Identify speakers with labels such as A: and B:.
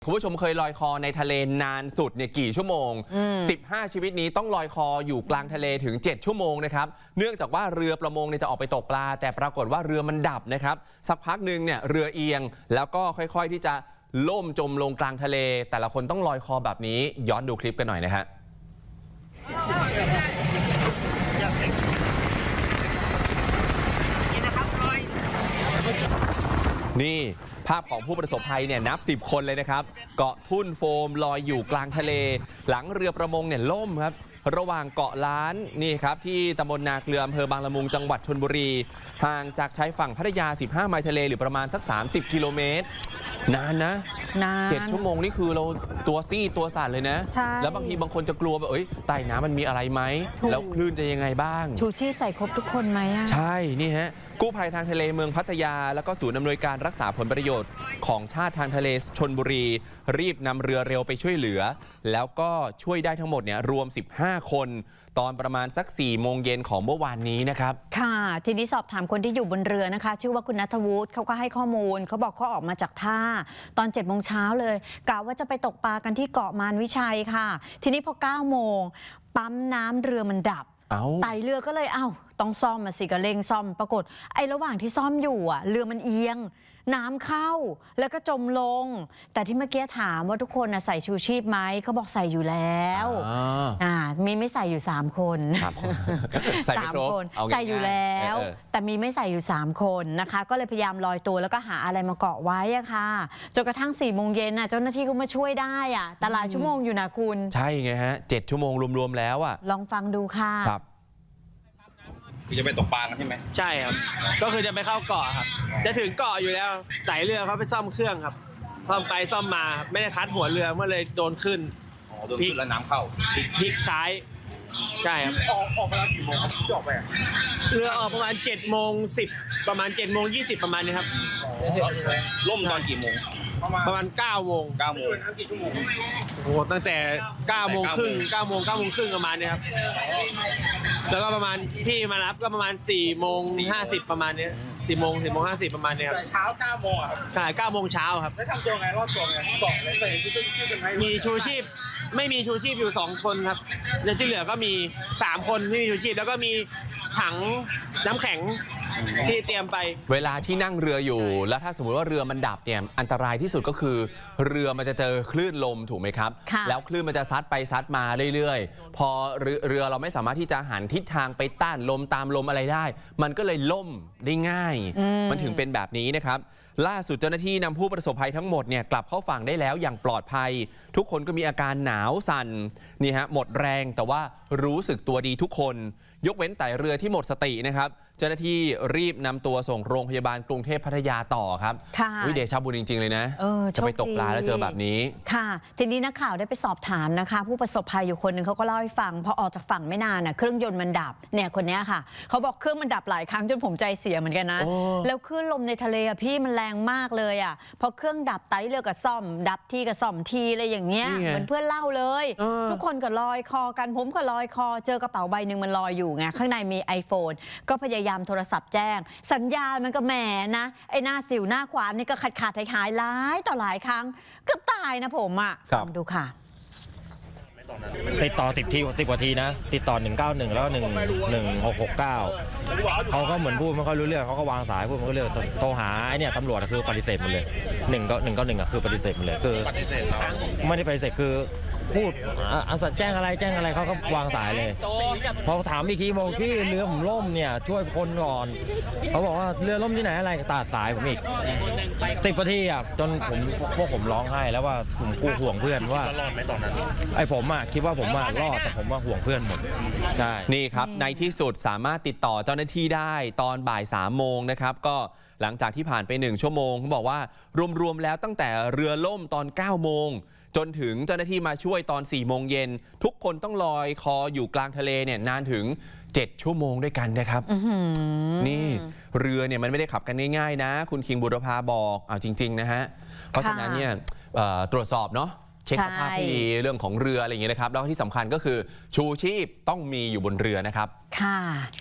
A: คุณผู้ชมเคยลอยคอในทะเลนานสุดเนี่ยกี่ชั่วโมง 15 ชีวิตนี้ต้องลอยคออยู่กลางทะเลถึง 7 ชั่วโมงนะครับเนื่องจากว่าเรือประมงเนี่ยจะออกไปตกปลาแต่ปรากฏว่าเรือมันดับนะครับสักพักหนึ่งเนี่ยเรือเอียงแล้วก็ค่อยๆที่จะล่มจมลงกลางทะเลแต่ละคนต้องลอยคอแบบนี้ย้อนดูคลิปกันหน่อยนะฮะนี่ภาพของผู้ประสบภัยเนี่ยนับ10 คนเลยนะครับเกาะทุ่นโฟมลอยอยู่กลางทะเลหลังเรือประมงเนี่ยล่มครับระหว่างเกาะล้านนี่ครับที่ตำบลนาเกลืออำเภอบางละมุงจังหวัดชลบุรีห่างจากชายฝั่งพัทยา15 ไมล์ทะเลหรือประมาณสัก30 กิโลเมตรนานนะ7 ชั่วโมงนี่คือเราตัวซี่ตัวสั่นเลยนะแล้วบางทีบางคนจะกลัวแบบใต้น้ำมันมีอะไรไหมแล้วคลื่นจะยังไงบ้าง
B: ชูชีพใส่ครบทุกคนไหม
A: ใช่นี่ฮะกู้ภัยทางทะเลเมืองพัทยาแล้วก็ศูนย์อำนวยการรักษาผลประโยชน์ของชาติทางทะเลชลบุรีรีบนำเรือเร็วไปช่วยเหลือแล้วก็ช่วยได้ทั้งหมดเนี่ยรวม15 คนตอนประมาณสัก4 โมงเย็นของเมื่อวานนี้นะครับ
B: ค่ะทีนี้สอบถามคนที่อยู่บนเรือนะคะชื่อว่าคุณณัฐวุฒิเขาก็ให้ข้อมูลเขาบอกเขาออกมาจากท่าตอน7 โมงเช้าเลยกะว่าจะไปตกปลากันที่เกาะมารวิชัยค่ะทีนี้พอ9 โมงปั๊มน้ำเรือมันดับไต่เรือก็เลยต้องซ่อมมาสิก็เร่งซ่อมปรากฏระหว่างที่ซ่อมอยู่เรือมันเอียงน้ำเข้าแล้วก็จมลงแต่ที่เมื่อกี้ถามว่าทุกคนใส่ชูชีพไหมเขาบอกใส่อยู่แล้วมีไม่ใส่อยู่3 คน3 คนใส่อยู่แล้วแต่มีไม่ใส่อยู่3 คนนะคะก็เลยพยายามลอยตัวแล้วก็หาอะไรมาเกาะไว้ค่ะจนกระทั่ง4 โมงเย็นเจ้าหน้าที่ก็มาช่วยได้แต่หลายชั่วโมงอยู่นะคุณ
A: ใช่ไงฮะ7 ชั่วโมงรวมๆแล้ว
B: ลองฟังดูค่ะ
C: จะไปตกปลากันใช่ไหม
D: ใช่ครับก็คือจะไปเข้าเกาะครับจะถึงเกาะอยู่แล้วไต่เรือเขาไปซ่อมเครื่องครับซ่อมไปซ่อมมาไม่ได้คัดหัวเรือเมื่อเลยโดนขึ้น
C: พลิกแล้วน้ำเข้า
D: พลิกซ้ายใช่ครับ
C: ออกมาแล้วกี่โมงครับที่ออกไป
D: เรือออกประมาณ7:10ประมาณ7:20ประมาณนี้ครับ
C: ล่มตอนกี่โมง
D: ประมาณ9 โมงโอ้โหตั้งแต่9 โมงครึ่งประมาณนี้ครับแล้วก็ประมาณที่มารับก็ประมาณ4:50ประมาณนี้4:50ประมาณนี้ครับ
C: เช้า9 โมงครับ
D: ใช่9 โมงเช้าครับ
C: แล้วทำตัวไงรอดตัวไงเกาะเลยชูชีพกันไหม
D: มีชูชีพไม่มีชูชีพอยู่2 คนครับแล้วที่เหลือก็มี3 คนไม่มีชูชีพแล้วก็มีถังน้ำแข็งที่เตรียมไป
A: เวลาที่นั่งเรืออยู่แล้วถ้าสมมติว่าเรือมันดับเนี่ยอันตรายที่สุดก็คือเรือมันจะเจอคลื่นลมถูกไหมครับแล้วคลื่นมันจะซัดไปซัดมาเรื่อยๆพอเรือเราไม่สามารถที่จะหันทิศทางไปต้านลมตามลมอะไรได้มันก็เลยล่มได้ง่ายมันถึงเป็นแบบนี้นะครับล่าสุดเจ้าหน้าที่นำผู้ประสบภัยทั้งหมดเนี่ยกลับเข้าฝั่งได้แล้วอย่างปลอดภัยทุกคนก็มีอาการหนาวสั่นนี่ฮะหมดแรงแต่ว่ารู้สึกตัวดีทุกคนยกเว้นไต่เรือที่หมดสตินะครับเจ้าหน้าที่รีบนำตัวส่งโรงพยาบาลกรุงเทพพัทยาต่อครับวิเดชบุญจริงๆเลยนะจะไปตกปลาแล้วเจอแบบนี้
B: ค่ะทีนี้นักข่าวได้ไปสอบถามนะคะผู้ประสบภัยอยู่คนหนึ่งเขาก็เล่าให้ฟังพอออกจากฝั่งไม่นานเครื่องยนต์มันดับเนี่ยคนนี้ค่ะเขาบอกเครื่องมันดับหลายครั้งจนผมใจเสียเหมือนกันนะแล้วคลื่นลมในทะเลพี่มันแรงมากเลยพอเครื่องดับไต่เรือกับซ่อมดับทีกับซ่อมทีอะไรอย่างเงี้ยเหมือนเพื่อนเล่าเลยทุกคนก็ลอยคอกันผมก็ลอยคอเจอกระเป๋าใบหนึ่งมันลอยอยู่ไงข้างในมี iPhone ก็พยายามโทรศัพท์แจ้งสัญญาณมันก็แหมนะหน้าสิวหน้าขวานนี่ก็ขาดหายหลายต่อหลายครั้งเกือบตายนะผมลองดูค่ะ
E: ติดต่อ10 กว่าทีนะติดต่อ191แล้วก็1669เขาก็เหมือนพูดไม่ค่อยรู้เรื่องเขาก็วางสายพูดไม่ค่อยรู้เรื่องโทรหาตำรวจคือปฏิเสธหมดเลย191คือปฏิเสธหมดเลยคือไม่ได้ปฏิเสธคือพูดแจ้งอะไรเขาก็วางสายเลยพอถามอีกทีบอกพี่เรือผมล่มเนี่ยช่วยคนก่อนเขาบอกว่าเรือล่มที่ไหนอะไรตัดสายผมอีก10 นาทีจนพวกผมร้องไห้แล้วว่าผมกูห่วงเพื่อนว่ารอดไหมตอนนั้นผมคิดว่าผมรอดแต่ผมว่าห่วงเพื่อนหมดใช่
A: นี่ครับในที่สุดสามารถติดต่อเจ้าหน้าที่ได้ตอนบ่าย3 โมงนะครับก็หลังจากที่ผ่านไป1 ชั่วโมงเขาบอกว่ารวมแล้วตั้งแต่เรือล่มตอน9 โมงจนถึงเจ้าหน้าที่มาช่วยตอน4 โมงเย็นทุกคนต้องลอยคออยู่กลางทะเลเนี่ยนานถึง7 ชั่วโมงด้วยกันนะครับนี่เรือเนี่ยมันไม่ได้ขับกันง่ายๆนะคุณคิงบุรพาบอกเอาจริงๆนะฮะเพราะฉะนั้นเนี่ยตรวจสอบเนาะเช็คสภาพให้ดีเรื่องของเรืออะไรอย่างเงี้ยนะครับแล้วที่สำคัญก็คือชูชีพต้องมีอยู่บนเรือนะครับ
B: ค่ะ